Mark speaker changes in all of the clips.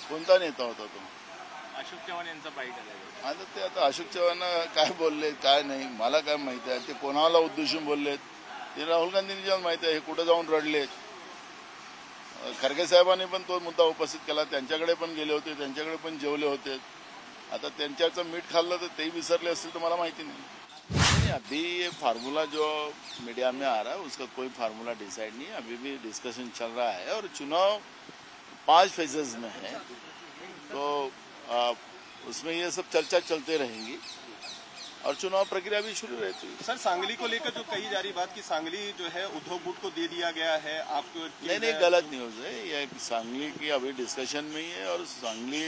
Speaker 1: कोणता नेता होता तो?
Speaker 2: अशोक चव्हाण यांचा बाईट आला.
Speaker 1: आता ते आता अशोक चव्हाण काय बोलले काय नाही मला काय माहिती आहे. ते कोणाला उद्देशून बोललेत ते राहुल गांधींनी माहिती आहे. हे कुठे जाऊन रडलेत. खरगे साहेबांनी पण तो मुद्दा उपस्थित केला. त्यांच्याकडे पण गेले होते, त्यांच्याकडे पण जेवले होते. आता त्यांच्याचं मीठ खाल्लं तर तेही विसरले असतील तर मला माहिती नहीं। अभी ये फार्मूला जो मीडिया में आ रहा है उसका कोई फार्मूला डिसाइड नहीं है। अभी भी डिस्कशन चल रहा है और चुनाव 5 फेजेज में है, तो उसमें ये सब चर्चा चलते रहेंगी और चुनाव प्रक्रिया भी शुरू रहती है।
Speaker 3: सर, सांगली को लेकर जो कही जा रही बात कि सांगली जो है उद्धव गुट को दे दिया गया है, आपको
Speaker 1: नहीं गलत न्यूज है। ये सांगली की अभी डिस्कशन में ही है और सांगली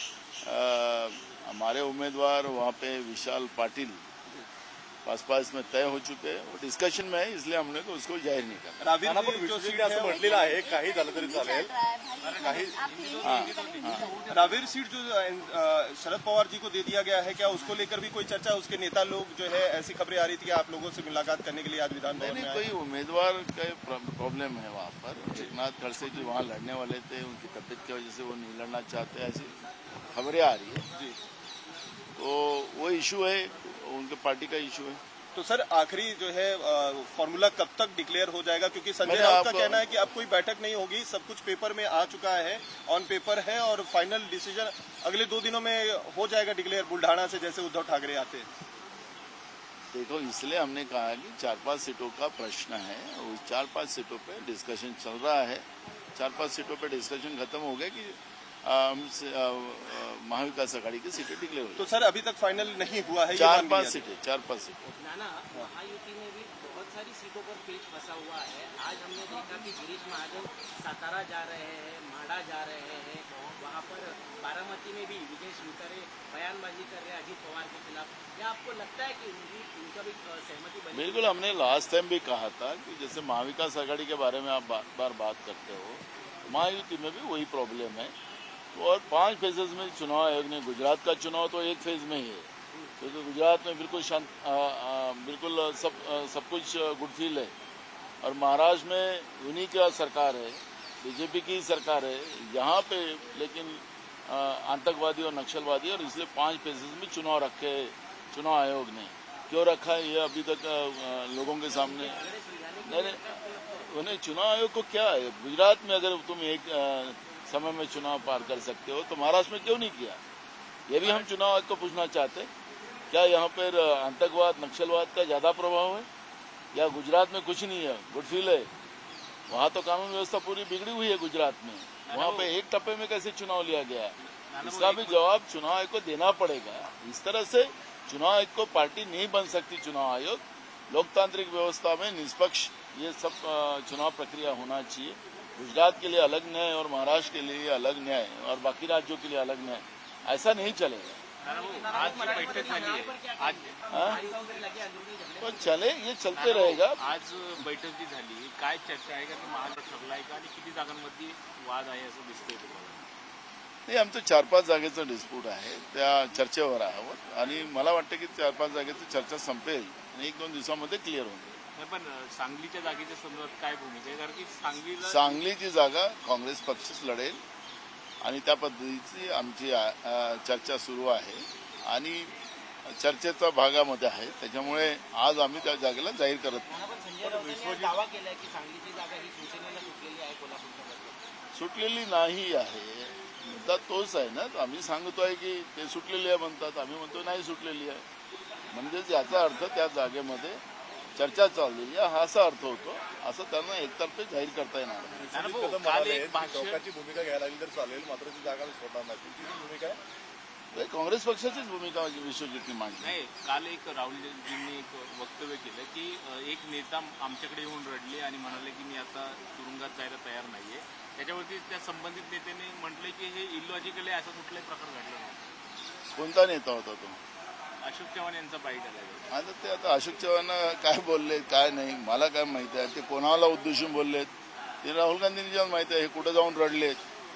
Speaker 1: हमारे उम्मीदवार वहाँ पे विशाल पाटिल पास में तय हो चुके हैं। वो डिस्कशन में है, इसलिए हमने तो उसको जाहीर नहीं करा।
Speaker 3: रावेर सीट जो शरद पवार जी को दे दिया गया है, क्या उसको लेकर भी कोई चर्चा? उसके नेता लोग जो है, ऐसी खबरें आ रही थी कि आप लोगों से मुलाकात करने के लिए आज विधान भवन में आए।
Speaker 1: कोई उम्मीदवार का प्रॉब्लम है वहाँ पर। एकनाथ खड़से जी वहाँ लड़ने वाले थे, उनकी तबीयत की वजह से वो नहीं लड़ना चाहते, ऐसी खबरें आ रही है जी। तो वो इशू है, उनके पार्टी का इशू है।
Speaker 3: तो सर, आखिरी जो है फॉर्मूला कब तक डिक्लेयर हो जाएगा? क्योंकि संजय राउत का कहना है कि अब कोई बैठक नहीं होगी, सब कुछ पेपर में आ चुका है, ऑन पेपर है और फाइनल डिसीजन अगले 2 दिनों में हो जाएगा डिक्लेयर, बुल्ढाना से जैसे उद्धव ठाकरे आते हैं।
Speaker 1: देखो, इसलिए हमने कहा कि 4-5 सीटों का प्रश्न है। उस 4-5 सीटों पे डिस्कशन चल रहा है। 4-5 सीटों पे डिस्कशन खत्म हो गया कि महाविकास आघाड़ी की सीटें डिक्लेयर हुई।
Speaker 3: तो सर, अभी तक फाइनल नहीं हुआ है?
Speaker 1: 4-5 सीटें।
Speaker 4: नाना, महायुति में भी बहुत सारी सीटों पर पेच फंसा हुआ है। आज हमने देखा कि गिरीश महाजन सातारा जा रहे हैं, माढ़ा जा रहे हैं, वहाँ पर बारामती में भी विजय शिवतारे बयानबाजी कर रहे हैं अजीत पवार के खिलाफ। क्या आपको लगता है कि उनका भी सहमति बनी?
Speaker 1: बिल्कुल, हमने लास्ट टाइम भी कहा था कि जैसे महाविकास आघाड़ी के बारे में आप बार बात करते हो, महायुति में भी वही प्रॉब्लम है। और 5 फेजेज में चुनाव आयोग ने, गुजरात का चुनाव तो 1 फेज में ही है, क्योंकि तो गुजरात में बिल्कुल शांत, बिल्कुल सब कुछ गुडफील है। और महाराष्ट्र में उन्हीं का सरकार है, बीजेपी की सरकार है यहाँ पे, लेकिन आतंकवादी और नक्सलवादी, और इसलिए 5 फेजेज में चुनाव रखे चुनाव आयोग ने। क्यों रखा है ये अभी तक लोगों के सामने नहीं। उन्हें चुनाव आयोग को क्या है? गुजरात में अगर तुम एक समय में चुनाव पार कर सकते हो तो महाराष्ट्र में क्यों नहीं किया? ये भी हम चुनाव आयोग को पूछना चाहते। क्या यहाँ पर आतंकवाद नक्सलवाद का ज्यादा प्रभाव है या गुजरात में कुछ नहीं है, गुडफील है? वहाँ तो कानून व्यवस्था पूरी बिगड़ी हुई है गुजरात में। वहाँ पे एक टप्पे में कैसे चुनाव लिया गया है, इसका भी जवाब चुनाव आयोग को देना पड़ेगा। इस तरह से चुनाव आयोग को पार्टी नहीं बन सकती। चुनाव आयोग लोकतांत्रिक व्यवस्था में निष्पक्ष ये सब चुनाव प्रक्रिया होना चाहिए। गुजरात के लिए अलग न्याय और महाराष्ट्र के लिए अलग न्याय और बाकी राज्यों के लिए अलग न्याय, ऐसा नहीं चलेगा।
Speaker 2: आज बैठक झाली आहे, आज
Speaker 1: तो चले, ये चलते रहेगा।
Speaker 2: आज बैठक जी झाली, काय चर्चा आहे का? महाराष्ट्र ठरला आहे का आणि किती जागांमध्ये वाद आहे असं दिसतंय तुम्हाला?
Speaker 1: नाही, आमचं 4-5 जागेचं डिस्प्यूट आहे, त्या चर्चेवर आहोत आणि मला वाटतं की 4-5 जागेची चर्चा संपेल आणि 1-2 दिवसामध्ये क्लिअर होईल।
Speaker 2: पण सांगलीच्या जागेच्या संदर्भात काय भूमिका आहे? कारण की
Speaker 1: सांगलीची जागा काँग्रेस पक्षच लढेल आणि त्या पद्धतीची आमची चर्चा सुरू आहे आणि चर्चेच्या भागामध्ये आहे। त्याच्यामुळे आज आम्ही त्या जागेला जाहीर करत नाही।
Speaker 4: दावा केलाय की सांगलीची जागा ही शिवसेनेला सुटलेली आहे, कोल्हापूरच्या
Speaker 1: सुटलेली नाही आहे, मुद्दा तोच आहे ना। आम्ही सांगतोय की ते सुटलेली आहे म्हणतात, आम्ही म्हणतो नाही सुटलेली आहे। म्हणजेच याचा अर्थ त्या जागेमध्ये चर्चा चाललेली आहे असा अर्थ होतो। असं त्यांना एकतर्फे जाहीर करता येणार नाही।
Speaker 5: टोकाची भूमिका घ्यायला लागली तर चालेल, मात्र ती जागा सोडणार नाही, तुमची भूमिका आहे?
Speaker 1: काँग्रेस पक्षाचीच भूमिका विश्वजितनी मांडली
Speaker 2: नाही। काल एक राहुलजींनी एक वक्तव्य केलं की एक नेता आमच्याकडे येऊन रडले आणि म्हणाले की मी आता तुरुंगात जायला तयार नाहीये। त्याच्यावरती त्या संबंधित नेत्याने म्हटले की हे इलॉजिकल आहे, असा कुठलाही प्रकार घडला नाही।
Speaker 1: कोणता नेता होता तो?
Speaker 2: अशोक चव्हाण यांचा बाईट आला.
Speaker 1: आता ते आता अशोक चव्हाण काय बोलले काय नाही मला काय माहिती आहे. ते कोणाला उद्देशून बोललेत ते राहुल गांधींनी माहिती आहे. हे कुठे जाऊन रडलेत.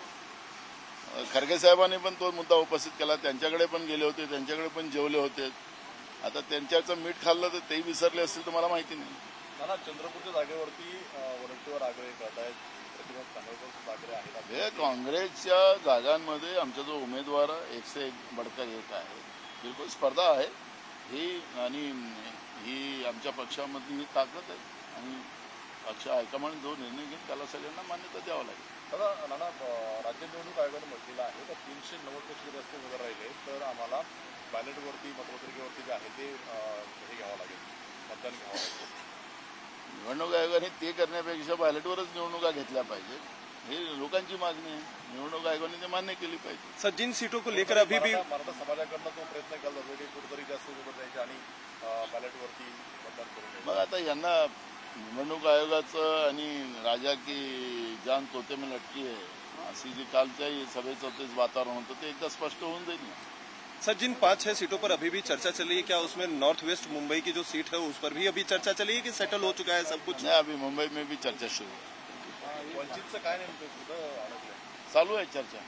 Speaker 1: खरगे साहेबांनी पण तो मुद्दा उपस्थित केला. त्यांच्याकडे पण गेले होते, त्यांच्याकडे पण जेवले होते. आता त्यांच्याचं मीठ खाल्लं तर तेही विसरले असतील तर मला माहिती नाही.
Speaker 5: चंद्रपूरच्या जागेवरती वरंटीवर आग्रह करत आहेत. किंवा चांगलं ठाकरे आहेत
Speaker 1: हे काँग्रेसच्या जागांमध्ये आमचा जो उमेदवार 101 बडका एक आहे, बिलकुल स्पर्धा आहे ही, आणि ही आमच्या पक्षामधली ही ताकद आहे आणि पक्ष हायकमांड जो निर्णय घेईल त्याला सगळ्यांना मान्यता द्यावं लागेल.
Speaker 5: दादा नाना, राज्य निवडणूक आयोगाने म्हटलेलं आहे तर 390 पेक्षा जास्त उमेदवार राहिले तर आम्हाला बॅलेटवरती मतपत्रिकेवरती जे आहे ते हे घ्यावं लागेल, मतदान घ्यावं लागेल.
Speaker 1: निवडणूक आयोगाने ते करण्यापेक्षा बॅलेटवरच निवडणुका घेतल्या पाहिजे, ही लोकांची मागणी आहे. निवडणूक आयोगाने ते मान्य केली पाहिजे.
Speaker 3: सर, जिन सीटों को लेकर अभी भी
Speaker 5: मराठा समाजाकडनं तो प्रयत्न केला जातो की कुठेतरी जास्त उमेदवार द्यायचे आणि बॅलेटवरती मतदान करून घ्यायचं.
Speaker 1: मग आता यांना निवडणूक आयोगाचं आणि राजा की जान तोते में लटकी आहे अशी जी कालच्याही सभेचं ते वातावरण होतं ते एकदा स्पष्ट होऊन जाईल ना.
Speaker 3: सर, जिन 5-6 सीटों पर अभी भी चर्चा चल रही है, क्या उसमें नॉर्थ वेस्ट मुंबई की जो सीट है उस पर भी अभी चर्चा चली है कि सेटल हो चुका है सब कुछ?
Speaker 1: नाही, अभी मुंबई में भी चर्चा सुरू आहे.
Speaker 5: वंचितचं काय नेमकं कुठं अडकलंय?
Speaker 1: चालू आहे चर्चा.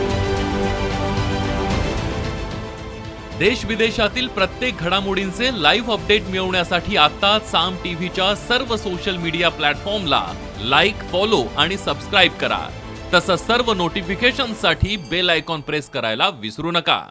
Speaker 6: देश विदेशातील प्रत्येक घडामोडींचे लाईव्ह अपडेट मिळवण्यासाठी आता साम टीव्हीच्या सर्व सोशल मीडिया प्लॅटफॉर्मला लाईक, फॉलो आणि सबस्क्राईब करा. तसंच सर्व नोटिफिकेशनसाठी बेल आयकॉन प्रेस करायला विसरू नका.